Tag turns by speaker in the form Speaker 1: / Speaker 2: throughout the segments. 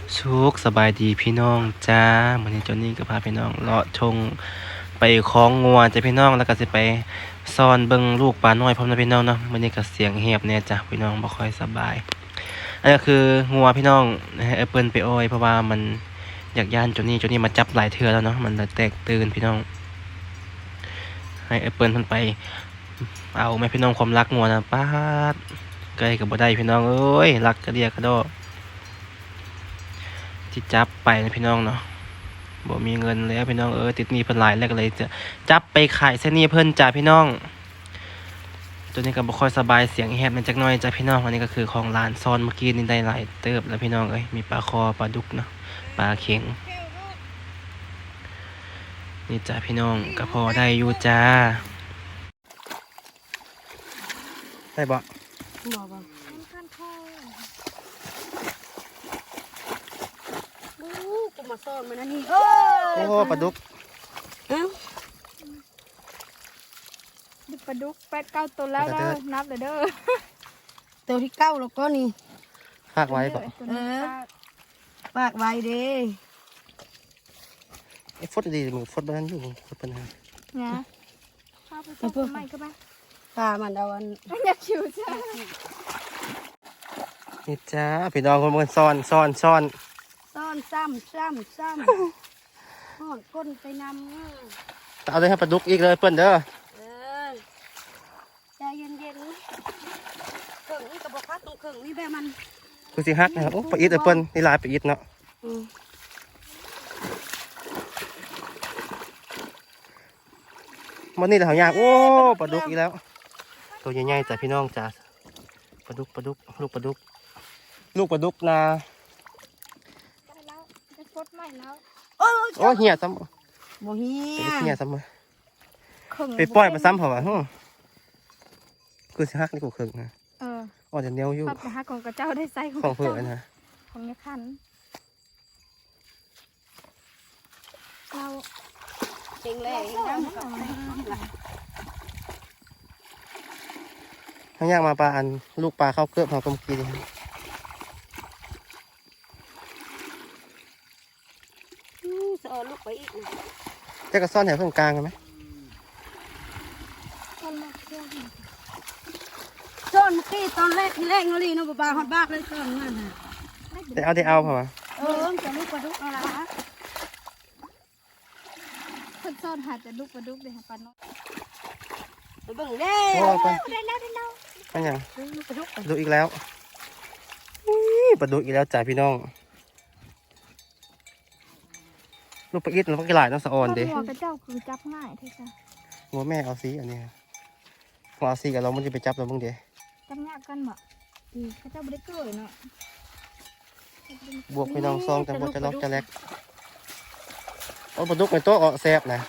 Speaker 1: สุขสบายดีพี่น้องจ้าวันนี้เจ้านี่ก็พาพี่น้องเลาะชงไปคล้องงัวจ้ะพี่น้องแล้วก็สิไปซ่อนเบิ่งลูกปลาน้อยพร้อมนะพี่น้องเนาะวันนี้ก็เสียงเหียบเนี่ยจ้ะพี่น้องบ่ค่อยสบายอันนี้ก็คืองัวพี่น้องให้แอปเปิลไปอ้อยเพราะว่ามันอยากย่านเจ้านี่มาจับหลายเทื่อแล้วเนาะมันเลยแตกตื่นพี่น้องให้แอปเปิลมันไปเอาแม่พี่น้องความรักงัวนะป๊าดใกล้กับบ่ได้พี่น้องเอ้ยรักกระเดียกระโดดที่จับไปนะพี่น้องเนาะบ่มีเงินแล้วพี่น้องติดหนี้เพิ่นหลายแล้วก็เลยจะจับไปขายเส้นหนี้เพิ่นจ้าพี่น้องตัวนี้ก็บ่ค่อยสบายเสียงแหบมันจักหน่อยจ้าพี่น้องอันนี้ก็คือของร้านซ่อนเมื่อกี้นี่ได้หลายเติบแล้วพี่น้องมีปลาคอปลาดุกเนาะปลาเข็งนี่จ้าพี่น้องก็พอได้อยู่จ้าได้บ่
Speaker 2: บอกว่าขั้นข้อกูมาซ่อนมันนั่นนี่
Speaker 1: โอ้ปลาดุก
Speaker 2: เอ้าปลาดุก8-9ตัวแล้วเด้อนับเลยเด้อตัวที่9แล้วก็นี่
Speaker 1: ฝากไว้บ่
Speaker 2: ฝากไว้เด้
Speaker 1: ฟดดีมึงฟดบ้านอยู่ฟดปัญหา
Speaker 2: นะข้าวไปต้มใหม่ก็มาปลามันเอาอันอยากชิวจ้า
Speaker 1: นี่จ้าพี่น้องคนมันซ่อน
Speaker 2: ซ้ำห่อนก้นไปนำ
Speaker 1: เอาเลยให้ปลาดุกอีกเลยเปิ้นเด้อ
Speaker 2: ใจเย็นๆเครื่องนี่กับบอกว่าตรงเครื่องนี่แบบมัน
Speaker 1: คือสิฮักนะครับโอ้ปลาอิดเปิ้นนี่ลายปลาอิดเนาะมันนี่แหละหายากโอ้ปลาดุกอีกแล้วตัวใหญ่ๆจ้ะพี่น้องจ้ะปลาดุกลูกปลาดุกนะ
Speaker 2: จะฟดใหม่แล้ว
Speaker 1: โอ้เหี้ยซ้ำ
Speaker 2: บ่เหี้ย
Speaker 1: ซ้ำมาไปปล่อยมาซ้ำเหรอวะคือสิฮักนี่กูเคิงนะอ๋อจะเนี้ยวอยู่
Speaker 2: ไปฮักของกระเจ้าได้ไซ
Speaker 1: ของเพื่อนนะ
Speaker 2: ของเนี่ยขันเราเก่งเลย
Speaker 1: ทั้งยากมาปลาอันลูกปลาเข้าเกลือบเขากลมกี
Speaker 2: จะเอาลูกไปอีก
Speaker 1: จะกระซ่อนแถวตรงกลางกันไหม
Speaker 2: ซ่อนเมื่อกี้ตอนแรกที่แรกเงาลีน้องปลาฮอดบ้าเลยซ่อนนั่นฮะ
Speaker 1: ได้เอาเปล่าวะ
Speaker 2: จะลูกปลาดุกเอาละคนซ่อนหาจะลูกปลาดุกเลยค่ะปลาน้อยเบิ่งเด้ได้แล้ว
Speaker 1: มันยังดูอีกแล้วปลาดุกอีกแล้วจ่ายพี่น้องลูกปลาอิดแล้วก็กระไรน้องสะออนดิ
Speaker 2: หัวกระเจ้าคือจับง่ายที่สุด
Speaker 1: หัวแม่เอาซีอันนี้หัวเอาซีกับเรามันจะไปจับเราบ้างเดี๋ยว
Speaker 2: จับง่ายกันบ่กระเจ้าไม่ได้เกยเนาะ
Speaker 1: บวกพี่น้องซองจังบวกจะล็อกจะแลกโอ้ปลาดุกในโต๊ะแซ่บนะ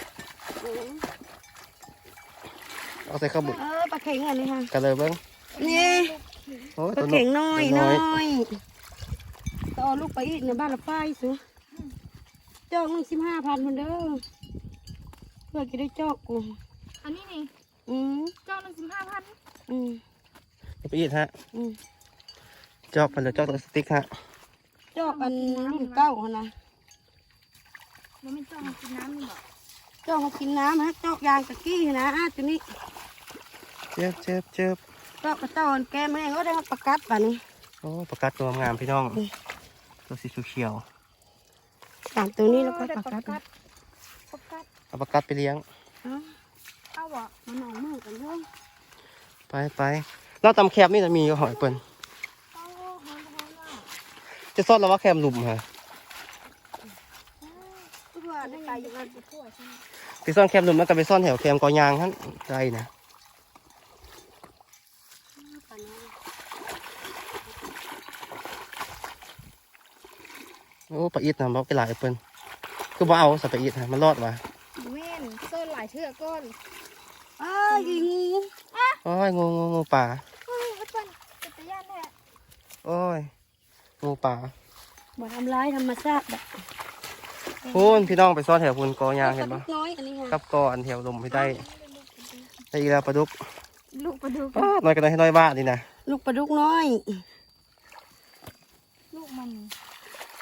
Speaker 1: เอาใส่ข้าวบุก
Speaker 2: ปลาเข็งอันนี้ค่ะ
Speaker 1: กันเลยเบิ้ง
Speaker 2: นี่ปลาเข็งน้อยต่อลูกไปอีกในบ้านละป้ายสิจอก15,000คนเด้อเพื่อจะได้จอกกูอันนี้นี่จอก15,000
Speaker 1: ไปอีกฮะจอกมันจะจอกตัวสติ๊กฮะ
Speaker 2: จอกอันรุ่นเก้านะมันไม่จอกมากินน้ำนี่หรอจอกมากินน้ำฮะจอกยางตะกี้นะตัวนี้
Speaker 1: เจ็บ
Speaker 2: จอกกระเจ้าแกแม่ก็ได้มาประกัดป่ะนี่
Speaker 1: โอ้ประกัดตัวงามพี่น้องตัวสีเขียว
Speaker 2: ต่างตัวนี้แล้วก็ประกัด
Speaker 1: เอาประกัดไปเลี้ยง
Speaker 2: เอาบ่มันหนองมือกันเถอะ
Speaker 1: ไปเราตำแคบนี่จะมีหอยเปิ้ลจะซ่อนเราว่าแคมหลุมฮะไปซ่อนแคมหลุมแล้วก็ไปซ่อนแถวแคมกอยางท่านไกลนะโอ้ปลาอิดนะบอกไปหลายเปิ้ลคือบ่เอาสับปลาอิดฮะมันรอดวะ
Speaker 2: เว้นซ่อนหลายเชือกก้อน
Speaker 1: ยิงโอ้ยงูป่าโอ้ยงูป่า
Speaker 2: บ่ทำร้ายธรรมชาติแบบ
Speaker 1: พูนพี่น้องไปซ่อนแถวพูนกอยางเห็นปะ
Speaker 2: น้อยอันนี้
Speaker 1: กับกออันแถวลมไม่ได้อีกแล้วปลาดุก
Speaker 2: ลูกปลาดุก
Speaker 1: น้อยกันให้น้อยบ้าดีนะ
Speaker 2: ลูกปลาดุกน้อยลูกมัน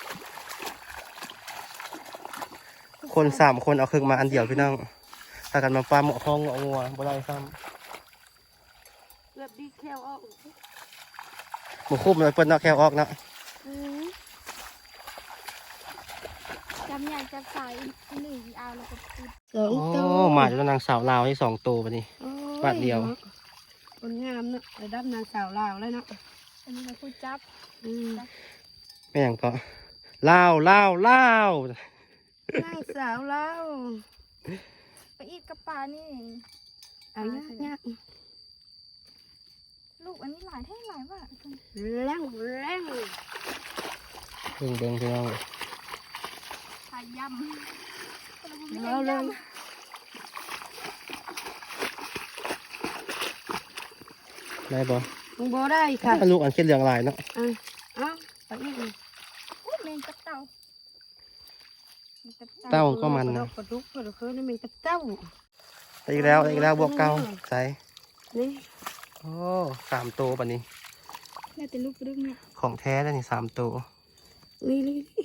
Speaker 1: คน3 คนเอาเครื่องมาอันเดียวพี่น้องถ้ากันมาปลาหมอคองงัวบ่ได้ซ้ำ
Speaker 2: เกือบดีแคลออก
Speaker 1: หมูคุ้มเลยเปิ้นเนาะแค่ออกเนาะ
Speaker 3: จำใหญ่จับสายหนึ่งเอาแล้วก็ปิด
Speaker 2: สอง
Speaker 1: โอ้
Speaker 2: ตัว
Speaker 1: มาจากนางสาวลาวให้2 ตัวบัดนี้
Speaker 2: โอ้ย
Speaker 1: บาทเดียว
Speaker 2: คนงามเนาะระดับนางสาวลาวแล้วเนาะ
Speaker 3: อันนี้เราพูดจับ
Speaker 2: อืม
Speaker 1: แม่งก็ลาว
Speaker 2: นางสาวลาว
Speaker 3: ไปอีกกระปานี่
Speaker 2: เอายาก
Speaker 3: ลูกอันนี้หลายแท่งหลายว่ะ
Speaker 2: แรง
Speaker 1: เบิ่งพี่น้อง
Speaker 3: ขายยำ
Speaker 2: เอาเลย
Speaker 1: ได้บ่
Speaker 2: มึงบ่ได้ค่ะ
Speaker 1: ลูกอันเค็ดเหลืองหลายเนาะ
Speaker 2: เอาไปอีกเลย
Speaker 3: อุ้ยเมนกับเต่าเมนกับเต่า
Speaker 1: เต้าก็มันนะ
Speaker 2: ปลาดุกปลาดุกนี่มันกระเต้า
Speaker 1: ได้อีกแล้วบวกเก่าใส่
Speaker 2: นี่
Speaker 1: โอ้3 ตัวบัดนี้
Speaker 3: แม่แต่ลูกกระดึ๊บเนี่ย
Speaker 1: ของแท้แล้วนี่3 ตัว
Speaker 2: นี่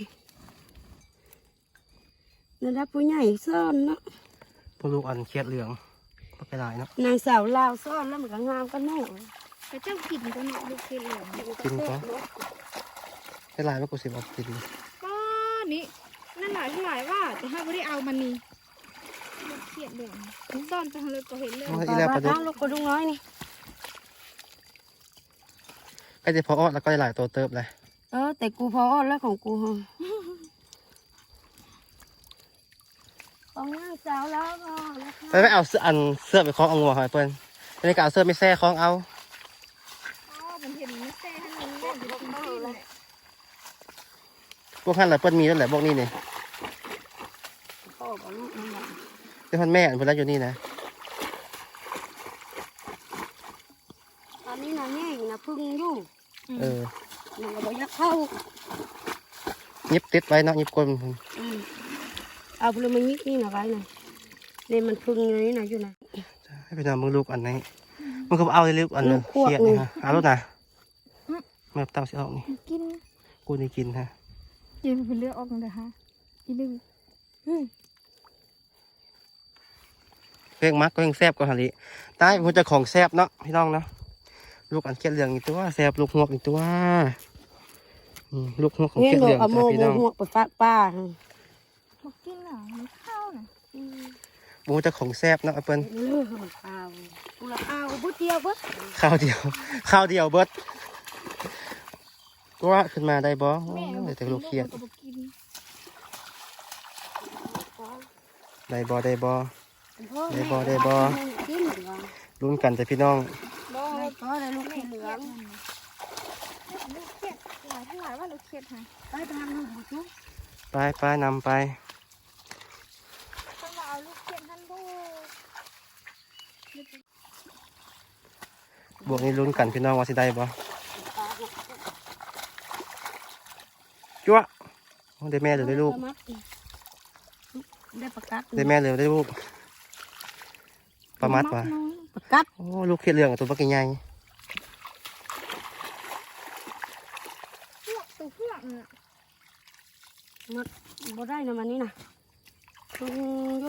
Speaker 2: ระดับผู้ใหญ่ซ่อนเนาะ
Speaker 1: พวกลูกอันเค็ดเหลืองก็ไปหลายเนาะ
Speaker 2: นางสาวลาวซ่อนแล้วมันก็งามกันแน่
Speaker 3: กระเจ้ากินก็เนาะลูกเขียดเหลือง
Speaker 1: กินก็ได้หลายมากกว่า10เอากิน
Speaker 3: ป้านี่นั่นหลายเท่าไหร่ว่าแต่ถ้าไม่ได้เอามันนี่ลูกเขียดเหลืองซ่อนไปทางเลยก็เห็นเลย
Speaker 1: โอ้ยอีแล้วปลาดุก
Speaker 2: ลูกปลาดุกน้อยนี่
Speaker 1: ก็จะพอออดแล้วก็ได้หลายตัวเติบเลย
Speaker 2: แต่กูพออ้อนแล้วของกูฮะของนางสาวลาวก็นะคะ
Speaker 1: ไปเอาเสื้อไปคล้องเอางัวหอยเปิ้ลอันนี้ก็เอาเสื้อไม่แซ่คล้องเอา
Speaker 3: อ๋อมันเห็นไม่แซ่ให้มันเล่นอยู่ตรงที่เลย
Speaker 1: พวกท่านหลายเปิ้ลมีแล้วแหละพวกนี้เนี่ย
Speaker 2: พ่อกับลูกนั่นแหละ
Speaker 1: เดี๋ยวท่านแม่อันเพิ่นรักอยู่นี่นะ
Speaker 2: ตอนนี้นะแง่งนะพึ่งอยู่
Speaker 1: เออ
Speaker 2: มันก็บ่อยากเข้า
Speaker 1: ยิบติดไว้เนาะยิบก้น
Speaker 2: เอาพลมันยิกนี่นะไว้นะนี่มันพึ่งอยู่นี่นะอยู่นะ
Speaker 1: ให้ไปนำมึงลูกอันนี้มึงก็เอาเลยลูกอันนึง
Speaker 2: ลูกขวด
Speaker 1: เครียด
Speaker 2: หนึ่
Speaker 1: นี่
Speaker 2: ง
Speaker 1: ฮะเอาลูกนะแม่เต้าสิเอานี่
Speaker 3: กิน
Speaker 1: กูนี่กินฮะ
Speaker 3: กินเป็นเลือดออกเลยฮะอีนึง
Speaker 1: เพ่งมักก็ยังแซ่บกว่าหาลิตายมันจะของแซ่บเนาะพี่น้องเนาะลูกอันเครียดเหลืองอีกตัวแซ่บลูกหวกอีกตัวลูกหวกของ
Speaker 2: เห็
Speaker 1: เคนรียด
Speaker 2: บ
Speaker 1: เห
Speaker 2: อ
Speaker 1: ลือก ง
Speaker 2: เอาโม
Speaker 1: จ้ะพี่น้อง
Speaker 2: หัวไปฟาดป้า
Speaker 3: มากินอ่ะมันข้าวน่ะ
Speaker 1: หมูจะของแซ่บเนาะเปิ้ล
Speaker 2: เลือดข้าวกูละข้าวบุเดียวเบิด
Speaker 1: ข้าวเดียวเบิดก็ว่าขึ้นมาได้บ่โอ้
Speaker 3: แม่
Speaker 1: ยเดี๋ยวแต่ลูกเครียด
Speaker 3: ก็บอกกิน
Speaker 1: ได้บ่ได้บ่
Speaker 2: กินเหลือง
Speaker 1: ลุ้นกันจ้ะพี่น้อง
Speaker 3: บ่
Speaker 2: ได้ก็ได้ลูกเหลือง
Speaker 3: ลูกเขียดหลายเท่าไหร่ว่าลูกเขียดฮะ
Speaker 2: ไปทำลูกบุจุ
Speaker 1: ไปนำไป
Speaker 3: ต้องมาเอาลูกเขียดท่านบ่
Speaker 1: บวกนี้ลุ้นกันพี่น้องว่าสิได้บ่จั๊วโอ้ได้แม่หรือได้ลูก
Speaker 2: ได้ประกัด
Speaker 1: ได้แม่หรือได้ลูกประมัดว่ะ
Speaker 2: ประกัด
Speaker 1: โอ้ลูกเขียดเหลืองตัวบักใหญ่
Speaker 3: พวกตัวพวกน่ะ
Speaker 2: มัดบ่ได้นะมันนี่นะพึ่งอยู่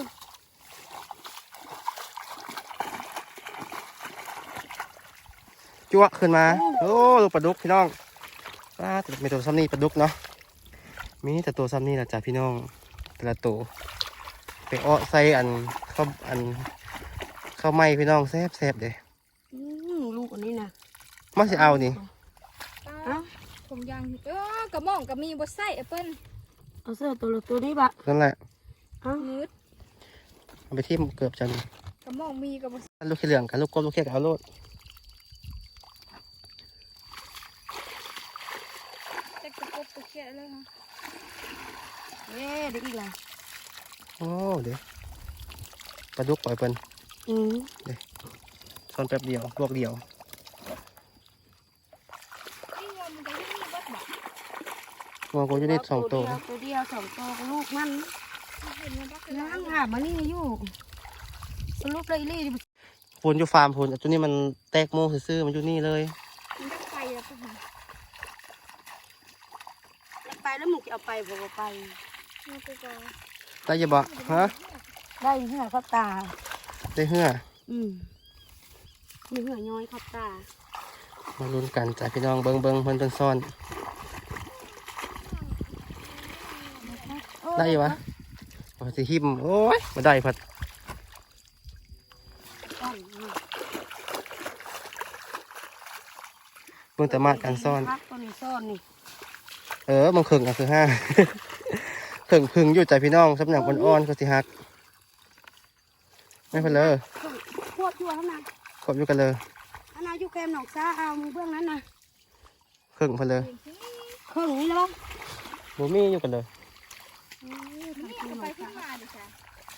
Speaker 1: จั๊วขึ้นมาโอ้ลูกปลาดุกพี่น้องป้าแต่มีตัวซ้ำนี่ปลาดุกเนาะมีแต่ตัวซ้ำนี่แหละจ้ะพี่น้องแต่ละตัวไปอ้อใส่ข้าวไหม้พี่น้องแซ่บเด้
Speaker 2: ลูกอันนี้นะ
Speaker 1: มาสิเอานี่
Speaker 3: ผมยังกระหม่อมกับมีบดไส้แอปเปิ้ล
Speaker 2: เอาเสื้อตัวนี้บะ
Speaker 1: นั่นแหละ
Speaker 3: นืด
Speaker 1: เอาไปที่เกือบจัน
Speaker 3: กระหม่อมมีกับบด
Speaker 1: ลูกขี้เหลืองกับลูกกบลูกเขียดกับเอาโลด
Speaker 3: แต่กระปุกตัวเขียดเลยฮะ
Speaker 2: เด้อีกแล้ว
Speaker 1: โอ้เดี๋ยวปลาดุกปล่อยเปิ้น ซ่อนแป๊บเดียวลวกเดียว
Speaker 3: นี่ว่ามันจะให้มีบดบอก
Speaker 1: งัวกูจะได้2 ตัว
Speaker 2: ตัวเดียว2 ตัวกับลูกมัน
Speaker 3: เห็นมันบักเลย
Speaker 2: นั่งหามานี่อยู่สรุปเลยลี่
Speaker 1: พูนอยู่ฟาร์มพูนตัวนี้มันแตกโมซื่อๆมันอยู่นี่เลย
Speaker 3: มันจะไปแล้วปุ๊บ
Speaker 2: ไปแล้วมึงจะเอาไปบ่ไป
Speaker 3: มันไปก่อน
Speaker 1: ได้อยังบ่ฮะ
Speaker 2: ได้เหื่อเข้าตา
Speaker 1: ได้เหื่อ
Speaker 2: มีเหื่อย้อยเข้าตา
Speaker 1: มาลุ้นกันจ้ะพี่น้องเบิ่งเพิ่นซ่อน ได้อยู่วะโอ้ยสิหิมโอ้ยมาได้พัด
Speaker 2: ซ่อนมา
Speaker 1: เบิ่งแต่มาการซ่อน
Speaker 2: พักตัวนี้ซ่อนนี่
Speaker 1: มันเข่งอ่ะคือห้า เข่งพึ่งอยู่ใจพี่น้องสำหรับอ่อนๆก็สิฮักไม่เพิ่นเลย
Speaker 2: ควบอยู่ข้างใน
Speaker 1: ขอบอยู่กันเลย
Speaker 2: อันนั้นอยู่แคมหนองซาเอามือเบื้องนั้นนะ
Speaker 1: เข่งเพิ่นเลย
Speaker 2: เครื่องนี้แล้ว
Speaker 1: บ่มีอยู่กันเลย
Speaker 3: นี่เอาไปขึ้นมาดิค่ะ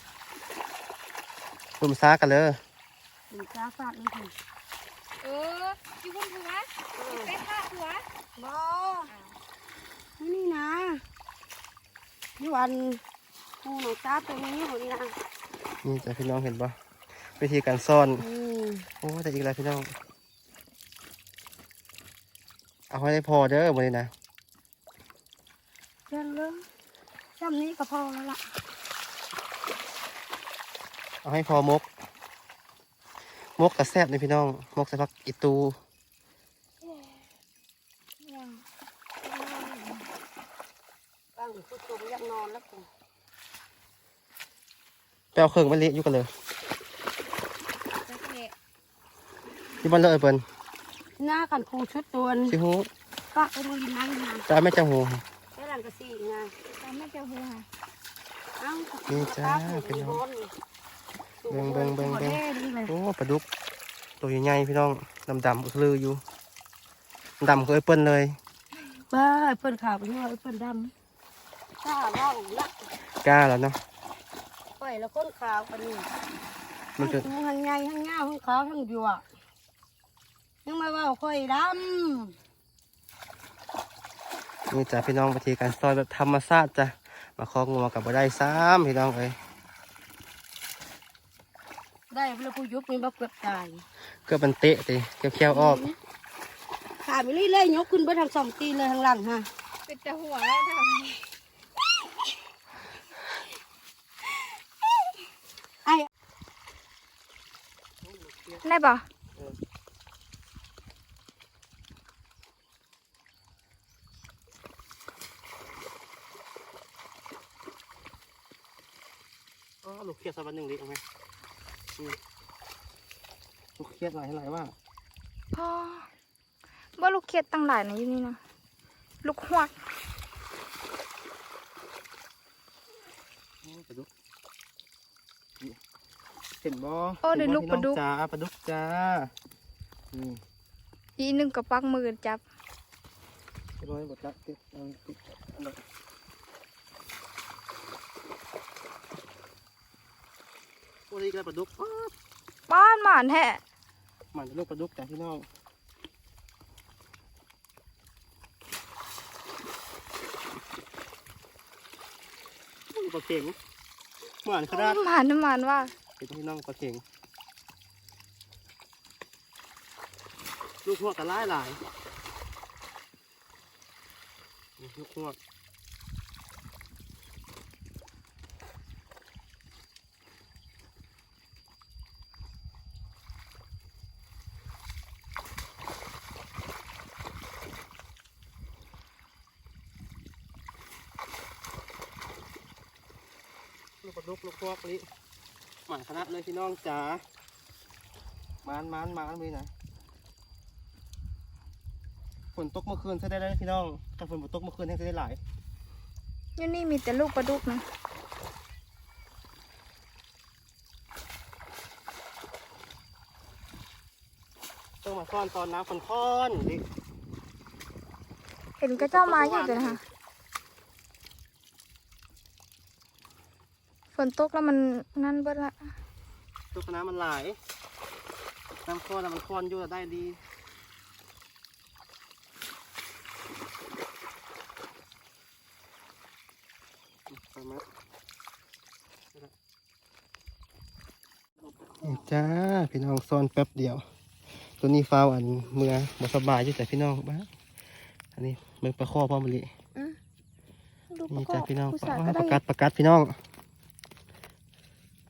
Speaker 1: รุมซ้ากันเลย
Speaker 2: หนึ่งซาฟาดนี่ถึง
Speaker 3: อยู่บนหัวไปฆ่าหัว
Speaker 2: บอนี่นะอยู่อันหูหนองซาตัวนี้หัวนี้นะ
Speaker 1: นี่จ้ะพี่น้องเห็นปะวิธีการซ่อน โอ้แต่อีกแล้วพี่น้องเอาให้ได้พอเด้อวันนี้นะ
Speaker 2: เรื่องเรื่องจำนี้ก็พอแล้วล่ะ
Speaker 1: เอาให้พอมกกระแซบเลยพี่น้องมกใส่ผักอีตู
Speaker 2: ตั้งผู้ชมอยากนอนแล้วกู
Speaker 1: ไปเอาเครื่องมันเละอยู่กันเลย
Speaker 3: จะเละ
Speaker 1: ที่บ้านเลยเปิ้น
Speaker 2: หน้ากันครูชุดตัว
Speaker 1: ชิฮู
Speaker 2: ป้าไปมือดินนั่งนะ
Speaker 1: จ้าแม่เจ้าหู
Speaker 2: แค่หลังกระสีไง
Speaker 3: ตามแม่เจ้าหัว
Speaker 2: เอ้า
Speaker 1: นี่จ้าพี่น้อง เบิ่ง โอ้ปลาดุกตัวใหญ่ๆพี่น้องดำๆอึกลืออยู่ดำก็ไอ้เปิ้นเลย
Speaker 2: บ้าเพิ่นขาวไปเนาะเพิ่นดำข้าเล่าละ
Speaker 1: กล้าแล้วเนาะ
Speaker 2: ไปแล้วคนขาวกันนี่
Speaker 1: มันจะ
Speaker 2: ทั้งใหญ่ทั้งเงาทั้งขาวทั้งหยวกยังมาว่าค่อยด
Speaker 1: นี่จ้ะพี่น้องวิธีการซ่อนแบบธรรมชาติจ้ะมาคล้องงัวกับบ่ได้ซ้ำพี่น้องเอ้ย
Speaker 2: ำได้เวลาผู้ยุบนี่บ่เกือบตาย
Speaker 1: เกือบมันเตะติเกี่ยวๆออก
Speaker 2: ขาไปเรื่อยๆยกขึ้นไปทางสองตีนเลยทางหลังฮะ
Speaker 3: เป็นแต่หัวแล้วท
Speaker 2: ไอ้
Speaker 3: ำได้ป่ะ
Speaker 1: อ๋อลูกเครียดสักวันหนึ่งดิเอาไหมลูกเครียดหลายว่า
Speaker 3: พ่อว่าลูกเขียดตั้งหลายนะอยู่นี่นะลูกหวก
Speaker 1: ปลาดุกเห็นบ่
Speaker 3: โอ้เดี๋ยวลูกปลาดุก
Speaker 1: จ้าปลาดุกจ้านี่
Speaker 3: อีหนึ่งกับปักมือจับ
Speaker 1: เรียบร้อยหมดละติดอันนั้นโอ้ยอีกแล้วปลาดุก
Speaker 3: บ้านหมานแท้
Speaker 1: มันเป็นลูกปลาดุกจ้ะพี่น้องปลาเข็งเหมือนขนาด
Speaker 3: หมานน้ำมันว่า
Speaker 1: เป็นพี่น้องปลาเข็งลูกพวกกันหลายลูกพวกลูกปลาดุกลูกพวกนี้หมันขนาดเลยพี่น้องจ๋ามานไปไหนฝนตกเมื่อคืนใช้ได้พี่น้องถ้าฝนตกเมื่อคืนให้ใช้ได้หลาย
Speaker 3: อยู่นี่มีแต่ลูกปลาดุกนะ
Speaker 1: ต้องมาซ่อนตอนน้ำฝนค่อนดิ
Speaker 3: เห็นกระเจ้ามาอยู่เลยนะคะฝนตกแล้วมันนั่นเบิดละ
Speaker 1: ตัวน้ำมันไหลน้ำค่อนมันค่อนอยู่ได้ดีนี่จ้าพี่น้องซ่อนแป๊บเดียว ตัวนี้ฟ้าวอันเมื่อบ่สบายอยู่แต่พี่น้องบ้าอันนี้เบิ่งปลาข้อพ่อมะลิ
Speaker 3: ลูก
Speaker 1: นี่
Speaker 3: ประก
Speaker 1: จ้า
Speaker 3: อบ
Speaker 1: พี่น้อง
Speaker 3: ผู้
Speaker 1: ป
Speaker 3: สาว
Speaker 1: ลา
Speaker 3: ก็
Speaker 1: ป
Speaker 3: ได้
Speaker 1: ระกัดพี่น้อง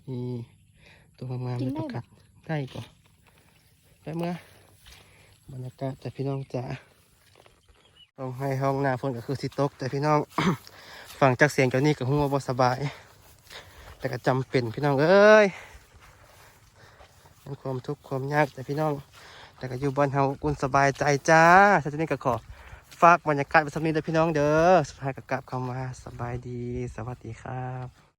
Speaker 1: นี่ตัวงามๆเลยประกาศได้ก่อนไปเมื่อบรรยากาศแต่พี่น้องจ๋าต้องให้ห้องหน้าฝนก็คือสิตกแต่พี่น้อง ฟังจากเสียงเจ้านี่ก็หัวบ่สบาย แต่ก็จำเป็นพี่น้องเอ้ยเป็นความทุกข์ความยากแต่พี่น้องแต่ก็อยู่บ้านเฮากุนสบายใจจ้าท่านนี้ก็ขอฝากบรรยากาศไว้สักนิดเด้อพี่น้องเด้อสุดท้ายก็กลับเข้ามาสบายดีสวัสดีครับ